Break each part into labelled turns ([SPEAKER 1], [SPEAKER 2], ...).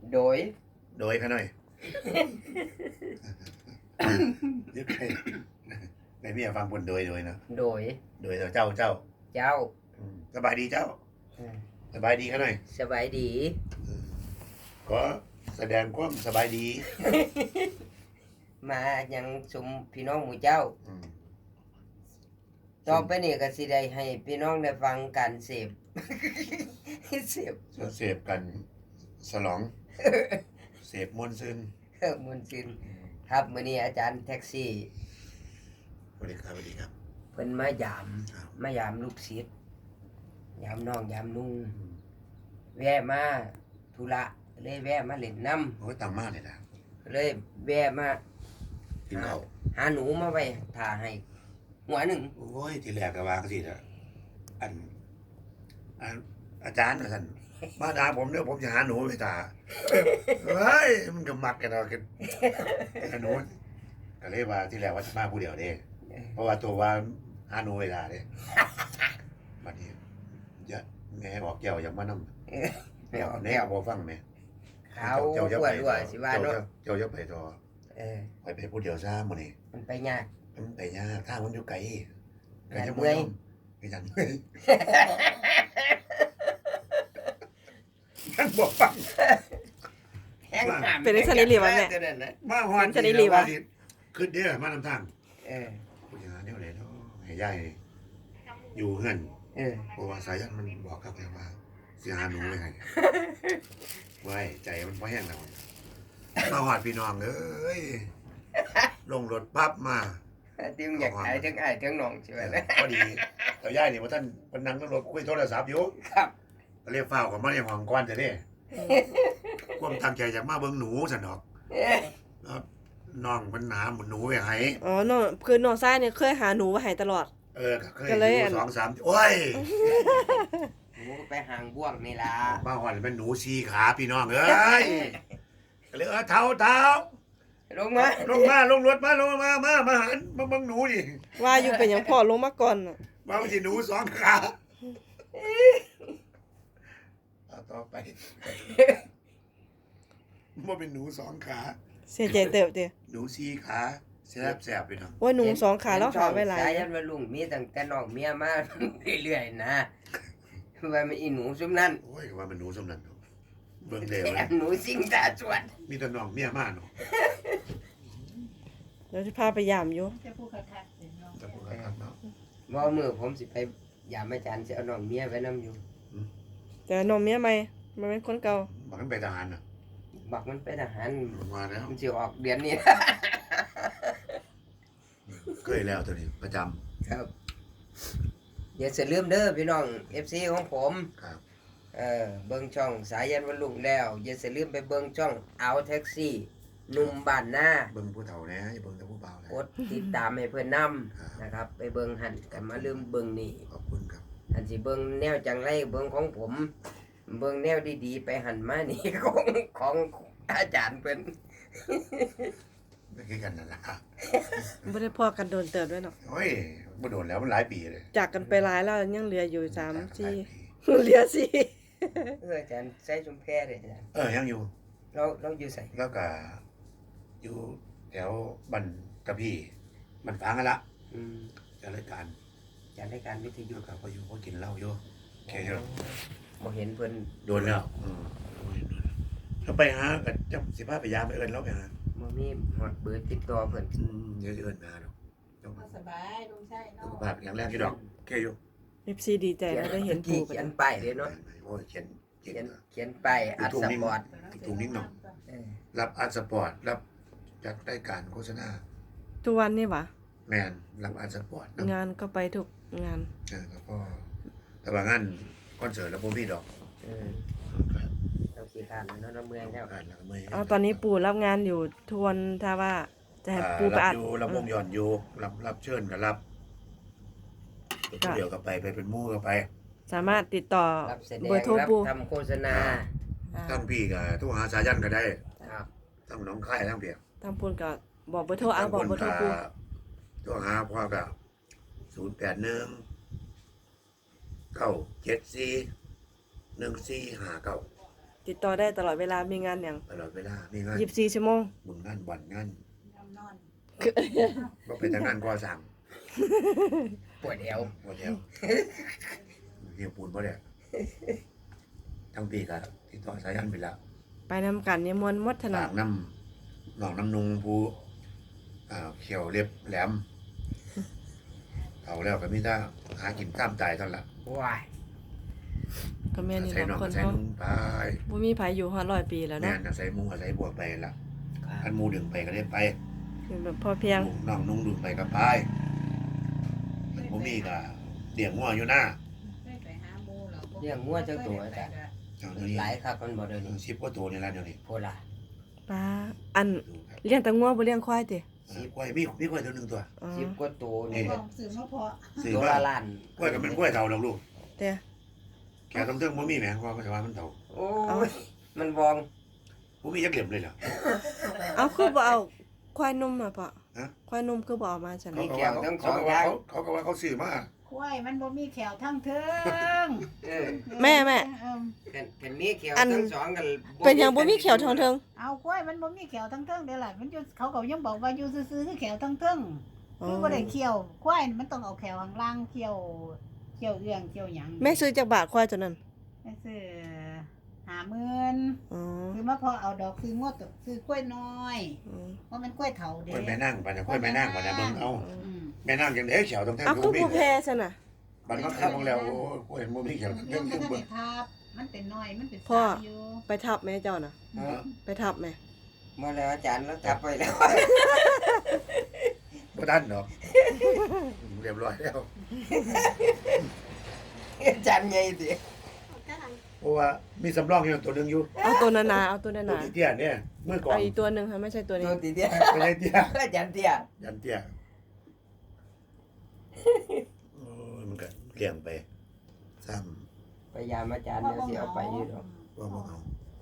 [SPEAKER 1] โดย
[SPEAKER 2] เขาหน่อยยึดใครในเมียฟังคนโดยเนาะ
[SPEAKER 1] โดย
[SPEAKER 2] เจ้าสบายดีเจ้าสบายดีเขาหน่อย
[SPEAKER 1] สบายดี
[SPEAKER 2] ก็แสดงความสบายดี
[SPEAKER 1] มายังสมพี่น้องหมู่เจ้าต่อไปนี่ก็สิได้ให้พี่น้องได้ฟังการเสพ
[SPEAKER 2] เสพกันสลองเสพมวลซึน
[SPEAKER 1] มุนซินครับมื้อนี้อาจารย์แท็กซี่
[SPEAKER 2] สวัสดีครับ
[SPEAKER 1] เพิ่นมายามลูกศิษย์ยามน้องยามนุ่งแวะมาธุระเลยแวะมาเล่นน้ำ
[SPEAKER 2] โอ้ยตังมากเลยนะ
[SPEAKER 1] เลยแวะมา
[SPEAKER 2] กินข้าว
[SPEAKER 1] หาหนูมาไว้ถ่าให้หัวหนึ่ง
[SPEAKER 2] โอ้ยทีแรกก็วางสิล่ะอาจารย์ท่านมาด่าผมเด้อผมจะหาหนูไปถ่าเฮ้ยมันก็มักกันเอากันหนูก็เลยว่าที่แรกว่าจะมาผู้เดียวเด้เพราะว่าตัวว่าหาหนูเวลาเด้บัดนี้แม่บอกแก้วอย่างมานำแม่บ่ฟังแม่
[SPEAKER 1] เขาปวดด้วยสิว่าเนาะ
[SPEAKER 2] เจ้าไปต่อไปผู้เดียวซะมื้อนี้
[SPEAKER 1] มันไปยาก
[SPEAKER 2] ทางมันอยู่ไกลจะบ่ยอมไปจังเมื่อยยังบ่ฟัง
[SPEAKER 3] เป็นสันนิลีวะแม่
[SPEAKER 2] มาฮอน
[SPEAKER 3] สันนิลีวะ
[SPEAKER 2] ขึ้นเด้อมานำทางผู้หญิงแนวไหนเนาะให้ยายอยู่เฮือนเพราะว่าสายันมันบอกกับแม่ว่าสิหาหนูไว้ให้ไว้ใจมันบ่แห้งแล้วมาฮอดพี่น้องเอ้ยลงรถปั๊บมา
[SPEAKER 1] ติ้งอยากไอ้ทั้งน้องใช่ไหม
[SPEAKER 2] พอดีแต่ย่ายนี่ว่าท่านมันนั่งรถคุยโทรศัพท์อยู่
[SPEAKER 1] ครับ
[SPEAKER 2] ก็เรียกเฝ้ากับมาในห้องก่อนจะได้ความตั้งใจจากมาเบิ่งหนูซั่นดอกน้องมันหาหนูไว้ให้
[SPEAKER 3] อ๋อน้องคือน้องชายเนี่ยเคยหาหนูไว้ให้ตลอด
[SPEAKER 2] เคยอยู่2-3โอ้ย
[SPEAKER 1] หนูไปหางบ่วงนี่ล่ะ
[SPEAKER 2] มาฮอดเป็นหนู4ขาพี่น้องเอ้ยก็เลยเท้าลงรถมาหันมาเบิ่งหนูดิ
[SPEAKER 3] ว่าอยู่เป็นหยังพ่อลงมาก่อนน่ะ
[SPEAKER 2] ว่ามันสิหนู2ขาต่อไปบ่เป็นหนู2ขา
[SPEAKER 3] เสียใจเติบติ
[SPEAKER 2] หนู4ขาแซ่บๆพี่น้อง
[SPEAKER 3] ว่าหนู2ขาแล้วขาไว้หลาย
[SPEAKER 1] สายันว่าลุงมีตั้งแต่น้องเมียมาเรื่อยๆนะว่ามันอีหนูซุมนั้น
[SPEAKER 2] โอ้ยว่ามันหนูซุมนั้นเบิ่งแล้ว
[SPEAKER 1] หนูสิงตาสวด
[SPEAKER 2] มีแต่น้องเมียมาเนาะ
[SPEAKER 3] เดี๋ยวสิพาไปยามอยู่
[SPEAKER 4] จะพูดคักๆเนาะ
[SPEAKER 2] จะพูดคักๆเนาะ
[SPEAKER 1] บ่มื้อผมสิไปยามอาจารย์สิเอาน้องเมียไว้นำอยู่
[SPEAKER 3] แต่น้องเมียใหม่มันเป็นคนเก่า
[SPEAKER 2] บักมันไปทหารน่ะ
[SPEAKER 1] บักมันไปทหาร
[SPEAKER 2] มาแล้ว
[SPEAKER 1] มันสิออกเดือนนี้
[SPEAKER 2] เคยแล้วตัวนี้ประจำ
[SPEAKER 1] ครับอย่าเสียลืมเด้อพี่น้อง FC ของผม
[SPEAKER 2] ครับ
[SPEAKER 1] เบิ่งช่องสายันวันลุงแล้วอย่าเสียลืมไปเบิ่งช่องเอาแท็กซี่หนุ่มบ้านนา
[SPEAKER 2] เบิ่งผู้เฒ่าแหน่อย่าเบิ่งแต่ผู้เบาแหน่
[SPEAKER 1] กดติดตามให้เพิ่นนำนะครับไปเบิ่งหั่นกันมาลืมเบิ่งนี่
[SPEAKER 2] ขอบคุณครับ
[SPEAKER 1] อันสิเบิ่งแนวจังไรเบิ่งของผมเบิ่งแนวดีๆไปหั่นมานี่ ของอาจารย์เพิ่น
[SPEAKER 2] ไม่คือกันนั่นล่ะ
[SPEAKER 3] บ่ได้พอกันโดนเติบด้วยเนาะ
[SPEAKER 2] โอ้ยบ่โดนแล้วมันหลายปีเลย
[SPEAKER 3] จากกันไปหลายแล้วยังเหลืออยู่3-4เหลือ4
[SPEAKER 1] อาจารย์ใส่ชุมแพเด้อาจารย์
[SPEAKER 2] ยังอยู่
[SPEAKER 1] เราอยู่ไส
[SPEAKER 2] แล้วก็อยู่แถวบ้านกะพี่มันฟังกันละจัดรายการ
[SPEAKER 1] วิทยุ
[SPEAKER 2] ครับพออยู่พอกินเหล้าอยู่แค่นี้
[SPEAKER 1] บ่เห็นเพิ่น
[SPEAKER 2] โดนแล้วถ้าไปหาก็จะสิพาไปยามไปเอิ้นเราไปหา
[SPEAKER 1] บ่มีฮอดเบอร์ติดต่อเพิ่น
[SPEAKER 2] เดี๋ยวสิเอิ้นมาดอก
[SPEAKER 4] สบายลุงใช่เนาะ
[SPEAKER 2] สุขภาพอย่างแรกที่ดอกแค่อยู่
[SPEAKER 3] FC ดีใจแล้วได้เห็นปู่
[SPEAKER 1] เขียนป้ายเด้เนาะ
[SPEAKER 2] โอ้ยเ
[SPEAKER 1] ขียนป้ายอัดสปอร์ต
[SPEAKER 2] ถุงนิ้งเนาะรับอัดสปอร์ตรับจัดรายการโฆษณา
[SPEAKER 3] ทุกวันนี่หวะ
[SPEAKER 2] แม่นรับอัดสปอร์ต
[SPEAKER 3] งานก็ไปทุกงาน
[SPEAKER 2] แล้วก็แต่ว่างานคอนเสิร์ตแล้วบ่มีดอก
[SPEAKER 1] เราขี้คร้านแล้วเนาะเมื่อย
[SPEAKER 3] แล้วตอนนี้ปู่รับงานอยู่ทวนถ้าว่าจะให้ปู่ไปอัด
[SPEAKER 2] อยู่รับวงย้อนอยู่รับเชิญก็รับเดี๋ยวก็ไปเป็นหมู่ก็ไป
[SPEAKER 3] สามารถติดต่อ
[SPEAKER 1] เบอร์โทรปู่ทำโฆษณา
[SPEAKER 2] ทั้งพี่ก็โทรหาสายันก็ได้ครับทั้งน้องค่ายทั้งเปียก
[SPEAKER 3] ทั้งปุ่นก็บอกเบอร์โทรบอกเบอร์โทรปู่
[SPEAKER 2] โทรหาพ่อก็081 974 1459
[SPEAKER 3] ติดต่อได้ตลอดเวลามีงานหยัง
[SPEAKER 2] ตลอดเวลามีงาน
[SPEAKER 3] 24ชั่วโมง
[SPEAKER 2] บุญงานบ่อนงาน
[SPEAKER 4] นอน
[SPEAKER 2] ก็เป็นทางงานก่อสร้าง
[SPEAKER 1] ปวดเอว
[SPEAKER 2] หมดแล้วเฮียปูนบ่ได้ทั้งปีก็ติดต่อสายันไปแล้ว
[SPEAKER 3] ไปนำกันเนี่ยมวนหมดถนั
[SPEAKER 2] ฝา
[SPEAKER 3] ด
[SPEAKER 2] กน้ำหนองน้ำนุงผู้เขียวเรียบแหลมเอาแล้วก็มีแต่หากินตามใจเท่านั้นล่ะ
[SPEAKER 1] ว้าย
[SPEAKER 3] ก็แม่นี่
[SPEAKER 2] ใส่หน
[SPEAKER 3] บา
[SPEAKER 2] อง
[SPEAKER 3] งคน
[SPEAKER 2] ใส่
[SPEAKER 3] เขา
[SPEAKER 2] นุงไป
[SPEAKER 3] บ่มีไผอยู่ฮอด100 ปีแล้ว
[SPEAKER 2] แม่
[SPEAKER 3] เนาะ
[SPEAKER 2] นอาศัยมุงอาศัยบวกไปละ
[SPEAKER 1] ค
[SPEAKER 2] อั
[SPEAKER 1] รับ
[SPEAKER 2] นหมูดึงไปก็ได้ไป
[SPEAKER 3] คือแบบพอเพียง
[SPEAKER 2] น้องนุ่งดึงไปก็ไปผมมีก็เลี้ยงงัวอยู่หน้า
[SPEAKER 4] ไปหาหมูเรา
[SPEAKER 1] เลี้ยงงัวจักตัวอาจารย์
[SPEAKER 2] เดี๋ยวนี้
[SPEAKER 1] หลายครับมันบ่เดี๋ยวนี้
[SPEAKER 2] 10กว่าตัวนี่ละเดี๋ยวนี้
[SPEAKER 1] โพล่ะ
[SPEAKER 3] ป้าอัน
[SPEAKER 2] ดูครับ
[SPEAKER 3] เลี้ยงแต่งัวบ่เลี้ยงควายติ
[SPEAKER 2] กล้วยมีกล้วยตัวหนึงตัว
[SPEAKER 3] อ๋อ
[SPEAKER 1] 10กว่าตัว
[SPEAKER 4] นี่
[SPEAKER 1] นี่
[SPEAKER 4] สื่อมาพอ
[SPEAKER 2] ซื้อ
[SPEAKER 1] ตัว
[SPEAKER 2] มา
[SPEAKER 1] ละล้าน
[SPEAKER 2] กล้วยก็เป็นกล้วยเฒ่าดอกลูก
[SPEAKER 3] แต่
[SPEAKER 2] แกต้องเทิงบ่มีแหมว่ามันจะว่ามันเฒ่า
[SPEAKER 1] โอ้ยมันวอง
[SPEAKER 2] บ่มีจักเหลี่ยมเลยเหรอ
[SPEAKER 3] เอาคือบ่เอาควายนมมาปะ
[SPEAKER 2] ฮะ
[SPEAKER 3] ควายนมคือบ่เอามาซั่น
[SPEAKER 2] เขา
[SPEAKER 3] น่ะ
[SPEAKER 2] ก็ว่าเขาก็ว่าเขาซื้อมา
[SPEAKER 4] ควายมันบ่มีแขวทั้งเทิง
[SPEAKER 1] เออ
[SPEAKER 3] แม่
[SPEAKER 1] เป็นมีเขียว
[SPEAKER 3] อัน
[SPEAKER 1] ทั้งสองกัน
[SPEAKER 3] เป็นหยังบ่มีเขียวทองเทิง
[SPEAKER 4] เอาควายมันบ่มีแขวทั้งเทิงเด้ล่ะมันอยู่เขาก็ยังบอกว่าอยู่ซื่อๆคือแขวทั้งเทิงคือบ่ได้เขียวควายมันต้องเอาแขวข้างล่างเขียวเอื้องเขียวหยัง
[SPEAKER 3] แม่ซื้อจากบาทควายตัวนั้น
[SPEAKER 4] แม่ซื้อ50,000
[SPEAKER 3] อ๋อ
[SPEAKER 4] คือมาพอเอาดอกซื้องวดซื้อกล้วยน้อย
[SPEAKER 3] อืม
[SPEAKER 4] เพราะมันกล้วยเถาเด้
[SPEAKER 2] กล้วยแม่นั่งไปนะกล้วยแม่นั่งไปนะเบิ่งเอา
[SPEAKER 4] อืม
[SPEAKER 2] แม่นั่งจังได๋เขียวต้องแท้
[SPEAKER 3] เอา
[SPEAKER 2] บ่
[SPEAKER 3] คือ
[SPEAKER 2] มี
[SPEAKER 3] ผู้แพ้ซั่นน่ะ
[SPEAKER 2] บัดมาเข้าของแล้วโอ้กล้วยบ่มีเขียว
[SPEAKER 4] มัน
[SPEAKER 2] เรื่อง
[SPEAKER 4] ก็
[SPEAKER 2] เบิ่
[SPEAKER 4] ได้
[SPEAKER 2] ง
[SPEAKER 4] ทับมันเป็นน้อยมันเป็น
[SPEAKER 3] พ่อ
[SPEAKER 4] สาวอยู่
[SPEAKER 3] ไปทับแม่เจ้าน่ะ
[SPEAKER 1] เออ
[SPEAKER 3] ไปทับแม่
[SPEAKER 1] มาแล้วอาจารย์แล้วจับไปแล้ว
[SPEAKER 2] บ่ทันดอกเรียบร้อยแล้ว
[SPEAKER 1] อาจารย์ใหญ่สิ
[SPEAKER 2] เพราะว่ามีสำรองอยู่ตัวหนึงอยู่
[SPEAKER 3] เอาตัวนานาเอาตัวนา
[SPEAKER 2] ตัว
[SPEAKER 3] นา
[SPEAKER 2] เตี้ยเนี่ยมือก่อน
[SPEAKER 3] เอาอีกตัวหนึงค่ะไม่ใช่ตัวนี้
[SPEAKER 1] ตัวตีเดียว
[SPEAKER 2] ไม่ใช่เตี้ย
[SPEAKER 1] อาจารย์เตี้ย
[SPEAKER 2] ยันเตี้ยโอ้ยมันก็เลี้ยงไปซ้
[SPEAKER 1] พยายามอาจารย์เดี๋ยวสิเอาไปอยู่ดอก
[SPEAKER 2] ำว่าบ่เอา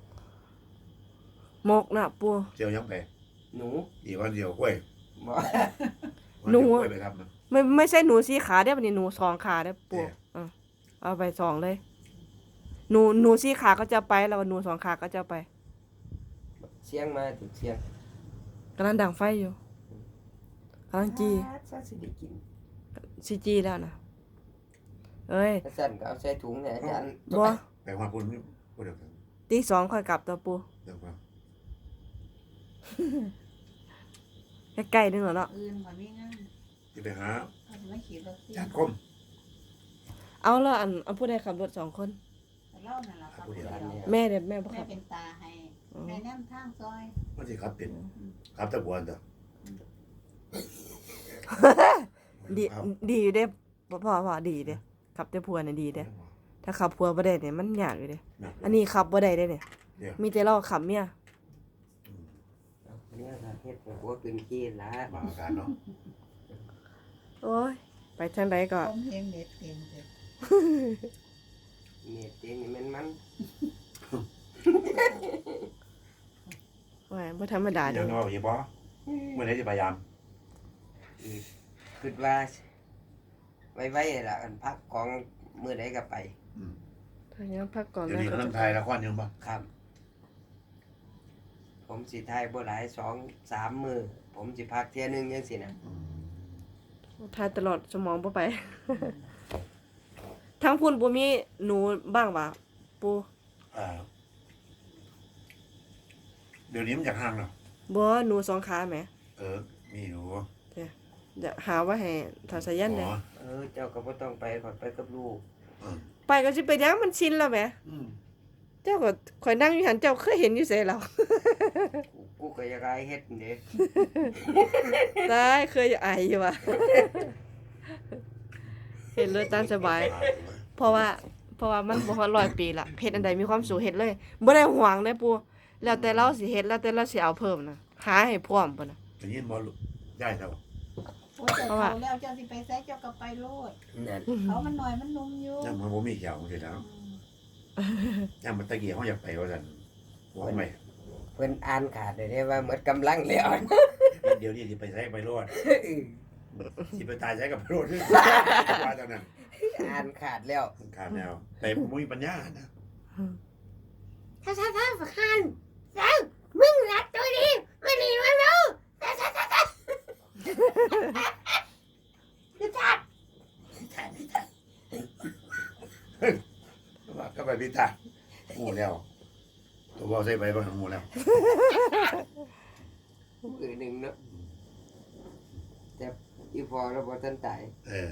[SPEAKER 3] หมกน่ะปู
[SPEAKER 2] เจียวยังไป
[SPEAKER 1] หนู
[SPEAKER 2] อีกวันเดียวกล้วย
[SPEAKER 1] บ่
[SPEAKER 3] หนู
[SPEAKER 2] วันเดียวกล้วยไปทำนะ
[SPEAKER 3] ไม่ใช่หนูสีขาได้อบัดนี้หนูสองขาได้อปู
[SPEAKER 2] เนี่ย
[SPEAKER 3] เอาไปสองเลย หนูสีขาก็จะไปแล้วหนูสองขาก็จะไป
[SPEAKER 1] เสียงมาถึงเสียง
[SPEAKER 3] กำลังดังไฟอยู่กำลังจี
[SPEAKER 1] ซะสิได้กิน
[SPEAKER 3] ซีจีแล้วนะเอ้ย
[SPEAKER 1] ถ้าสั่นก็เอาใส่ถุงเนี่ยอาจารย์
[SPEAKER 3] บัว
[SPEAKER 2] ไปว่าพูดพูดเดี๋ยวกัน
[SPEAKER 3] ตีสองค่อยกลับตัวปู
[SPEAKER 2] เดี๋ยวก่อน
[SPEAKER 3] ใกล้ๆนึงเหรอเนาะ
[SPEAKER 4] อื่นบ่มีงาน
[SPEAKER 2] ที่ไปหา
[SPEAKER 4] เอามาขี่รถสิ
[SPEAKER 2] จานคม
[SPEAKER 3] เอาแล้วอันผู้ใดขับรถสองคน
[SPEAKER 4] เล่านั่นล่ะครับ
[SPEAKER 3] แม่เด็แม่บ่
[SPEAKER 4] แม่
[SPEAKER 3] ขับ
[SPEAKER 4] เป็นตาให้แม่แนมทางซอย
[SPEAKER 2] มันสิครับเป็นครับตะบวนเด้อ
[SPEAKER 3] ดีดีอยู่เด้พ่อดีเด้ขับแต่พัวน่ะดีเด้ถ้าขับพัวบ่ได้เนี่ยมันยากอยู่เด้อันนี้ขับบ่ได้เด้เนี่ย
[SPEAKER 2] เดี๋ยว
[SPEAKER 3] มีแต่เราขับเมีย
[SPEAKER 1] เนี่ยถ้าเฮ็ดแบบว่าเป็นขี้ละ
[SPEAKER 2] บางอาการเนาะ
[SPEAKER 3] โอ้ยไปทางใดก็
[SPEAKER 4] ผมเห็นเน็ตเต็มเลย
[SPEAKER 1] เมียจริงนี่มัน
[SPEAKER 3] ว่าบ่ธรรมดา
[SPEAKER 2] อ
[SPEAKER 3] เด้
[SPEAKER 2] ย่างน้อยอีบ่เมื่อไหร่จะพยายาม
[SPEAKER 1] คิดว่าไว้ล่ะอันพักของมื้อใดก็ไป
[SPEAKER 3] ถ้ายังพักก่อน
[SPEAKER 2] เดี๋ยว
[SPEAKER 3] นะ
[SPEAKER 2] นี้
[SPEAKER 3] ก็
[SPEAKER 2] กำลัง
[SPEAKER 3] จะ
[SPEAKER 2] ถ่ายละครอยู่บ่
[SPEAKER 1] ครับ ผมสิถ่ายบ่หลาย2-3 มื้อผมสิพักเที่ยหนึงจังซี่นะ
[SPEAKER 3] ทายตลอดสมองบ่ไป ทั้งพุ่นบ่มีหนูบ้างว่ะปู
[SPEAKER 2] เดี๋ยวนี้มันจากห่างเนาะ
[SPEAKER 3] บ่หนูสองขาแหม
[SPEAKER 2] มีอยู่
[SPEAKER 3] จะหาว่าให้ทาสายันเด้
[SPEAKER 1] เจ้าก็บ่ต้องไปขอไปกับลูก
[SPEAKER 3] ไปก็สิไปยังมันชินแล้วแหมเจ้าก็ข่อยนั่งอยู่หันเจ้าเคยเห็นอยู่ไสแล้ว
[SPEAKER 1] กูก็อยากให้เฮ็ดเด้
[SPEAKER 3] ได้เคยอายอยู่ว่ะ เห็นเลยตามสบาย เพราะว่ามันบ่ฮอด100 ปีละเฮ็ดอันใดมีความสุขเฮ็ดเลยบ่ได้หวงเลยปู่แล้วแต่เราสิเฮ็ดแล้วแต่เราสิเอาเพิ่มนะหาให้พร้อมพุ่นน่ะ
[SPEAKER 2] จะยินบ่ลูกได้เท่า
[SPEAKER 4] โอ้ยเจ้าเขาแล้วเจ้าสิไปไสเจ้าก็ไปโลด
[SPEAKER 1] นั่น
[SPEAKER 4] เขามันหน่อยมันนุ่มอยู่
[SPEAKER 2] ยังมันบ่มีเขียวจังซี่แล้วยังมันตะกี้เฮาอยากไปว่าซั่นบ่ไม่
[SPEAKER 1] เพิ่นอ่านขาดได้ว่าหมดกำลังแล้ว
[SPEAKER 2] เดี๋ยวนี้สิไปใช้ไปรอดสิไปตายใช้กับโรดว่าจังนั้น
[SPEAKER 1] อ่านขาดแล้ว
[SPEAKER 2] มันขาดแนวแต่บ่มีปัญญานะ
[SPEAKER 4] ถ้า
[SPEAKER 1] ฮันแล้วมึงรับตัวนี้ไม่หนีมาดูพี่ทัด
[SPEAKER 2] ว่าก็ไปพิธาหมู่แล้วตัวเบาใส่ไปบ้างหมู่แล้ว
[SPEAKER 1] มือหนึ่งเนาะแต่อีพอแล้วพอท่านตาย
[SPEAKER 2] เออ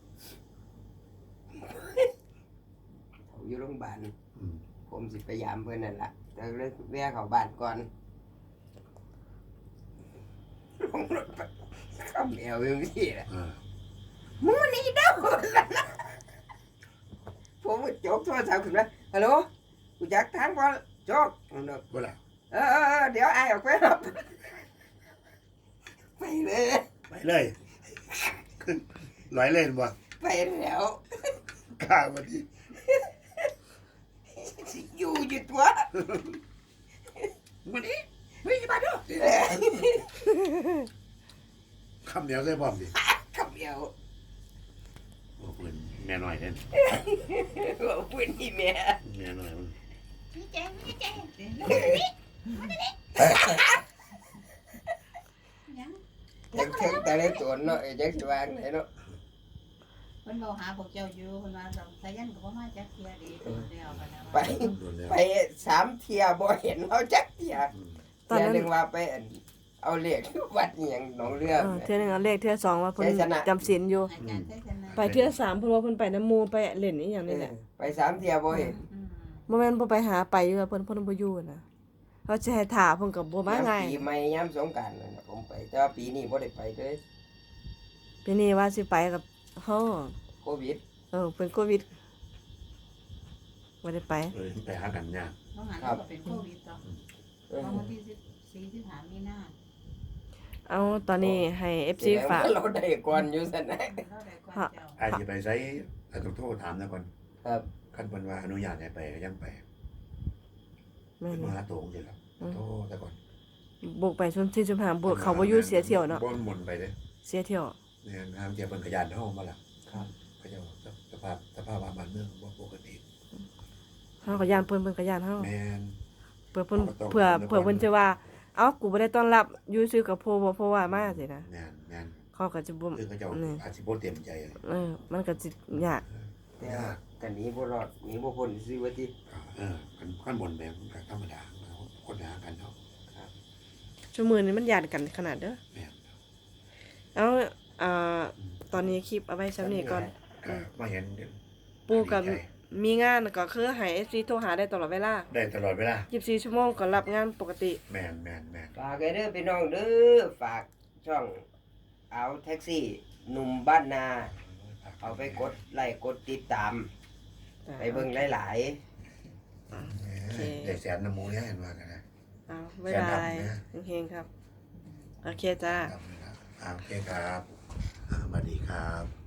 [SPEAKER 1] เขาอยู่โรงพยาบาล
[SPEAKER 2] อืม
[SPEAKER 1] ผมสิไปยามเพื่อนนั่นแหละแต่เลยแวะเขาบ้านก่อนลงรถไปข้ามแอวอย่างนี้แหละ
[SPEAKER 2] เออ
[SPEAKER 1] มึงนี่เด้อผมก็จกโทรศัพท์ขึ้นมาฮัลโหลกูอยากทางพอจก
[SPEAKER 2] บ่ล่ะ
[SPEAKER 1] เดี๋ยวไอ้ออกไปรับไปเลย
[SPEAKER 2] ไปเลยขึ้นร้อยเล่นบ่
[SPEAKER 1] ไปแล้ว
[SPEAKER 2] กล้าบ่ดี
[SPEAKER 1] สิอยู่อยู่ตัว
[SPEAKER 2] วันนี้เฮ้ยมาดูคำเดียวใส่พร้อมดิ
[SPEAKER 1] ขับเดียว
[SPEAKER 2] โอ้ปืนแม่น้อยเด่น
[SPEAKER 1] ว่าพูดนี่แม่
[SPEAKER 2] แม่น้อยมัน
[SPEAKER 4] นี่แจงนี่แจงยัง
[SPEAKER 1] ยังเชิงแต่ละตัวเนาะยังสว่างเลยเนาะ
[SPEAKER 4] เพิ่นบอกหาพวกเจ้าอยู่เพิ่นว่าสายันก็บ่มาจักเที่ยดีเพิ่นเดียวกันนะ
[SPEAKER 1] ไป
[SPEAKER 2] โดนแล้ว
[SPEAKER 1] ไป3 เที่ยบ่เห็นเขาจักเที่ย
[SPEAKER 2] อืม
[SPEAKER 3] ตอน
[SPEAKER 1] เที่ย
[SPEAKER 3] นั้น
[SPEAKER 1] หนึงว่าไปเอาเลขวัดอหย่างหนองเรือ
[SPEAKER 3] เทื่อหนึงเอาเลขเทื่อสองว่าเพิ่น
[SPEAKER 1] ใจชนะ
[SPEAKER 3] จำศีลอยู่
[SPEAKER 4] อาจารย์ใช้ชนะ
[SPEAKER 3] ไปเทื่อสามเพิ่นว่าเพิ่นไปน้ำหมู่ไปเล่นอีหยังนี่แหละ
[SPEAKER 1] ไป3 เที่ยบ่เห็น
[SPEAKER 3] บ่แม่นบ่ไปหาไปอยู่อะเพิ่นบ่อยู่นะเขาสิให้ท่าเพิ่นก็บ่มาง่าย
[SPEAKER 1] ปีใหม่ยามสงกรานต์นั่นน่ะผมไปแต่ว่าปีนี้บ่ได้ไปเลย
[SPEAKER 3] ปีนี้ว่าสิไปกับเฮา
[SPEAKER 1] โควิด
[SPEAKER 3] เป็นโควิดบ่ได้ไป
[SPEAKER 2] เลยไปหากันยาก
[SPEAKER 4] น้องหันก็เป็นโควิดต่อ
[SPEAKER 1] เออ
[SPEAKER 4] วันที่14 15มีนา
[SPEAKER 3] เอาตอนนี้ให้ FC ฝาก
[SPEAKER 1] เราได้ก่อนอยู่ซั่นนะ
[SPEAKER 4] เราได้ก่อนเจ้า
[SPEAKER 2] อาจจะไปใช้อาจต้องโทรถามนะก่อน
[SPEAKER 1] ครับ
[SPEAKER 2] คันเพิ่นว่าอนุญาตให้ไปก็ยังไป
[SPEAKER 3] แม่
[SPEAKER 2] เป็น
[SPEAKER 3] น
[SPEAKER 2] มหาโตงสิครับโทรแต่ก่อน
[SPEAKER 3] บุกไปชนที่จุมหาบุกเขาบ่อยู่เสียเที่ยวเนาะ
[SPEAKER 2] บ่มนไปเด้
[SPEAKER 3] เสียเที่ยว
[SPEAKER 2] เนี่ยทางเจ้าเพิ่นขยันเฮามาล่ะ
[SPEAKER 1] ครับ
[SPEAKER 2] เขาเจ้าสภาพบ้านเมืองบ่ปกติ
[SPEAKER 3] เฮาก็ย่านเพิ่นก็ย่านเฮา
[SPEAKER 2] แม่น
[SPEAKER 3] เพื่อเพิ่นเพื่อเพิ่นจะว่าเอ้ากูบ่ได้ต้อนรับอยู่ซื่อกับเพราะว่ามาสินะ
[SPEAKER 2] แม่นแม่น
[SPEAKER 3] เขาก็จะบ่
[SPEAKER 2] คือเขาเจ้า
[SPEAKER 3] นี่
[SPEAKER 2] อาจสิบ่เต็มใจ
[SPEAKER 3] มันก็สิยาก
[SPEAKER 1] แต่ว่ากันหนี้บ่รอดหนีบ่พ้นซื้อว่าติ
[SPEAKER 2] ขั้นบนแบบก็ธรรมดาคนหากันเนาะ
[SPEAKER 3] ชั่วโมงนี้มันยากกันขนาดเด้อ
[SPEAKER 2] แม่น
[SPEAKER 3] เอาตอนนี้คลิปเอาไว้ซ้ำนี้ก่อน
[SPEAKER 2] ก็มาเห็น
[SPEAKER 3] ปู่กับมีงานก็คือให้ FC โทรหาได้ตลอดเวลา
[SPEAKER 2] ได้ตลอดเวลา
[SPEAKER 3] 24ชั่วโมงก็รับงานปกติ
[SPEAKER 2] แม่นแม่นแม่น
[SPEAKER 1] ฝากให้เด้อพี่น้องเด้อฝากช่องเอาแท็กซี่หนุ่มบ้านนา เอาไปกดไลค์กดติดตาม ไปเบิ่งหลาย
[SPEAKER 2] ได้แสนน้ำมูเนี่ยเห็นว่ากันนะ
[SPEAKER 3] เอาบ๊ายบายเฮงๆครับโอเคจ้า
[SPEAKER 2] โอเคครับสวัสดีครับ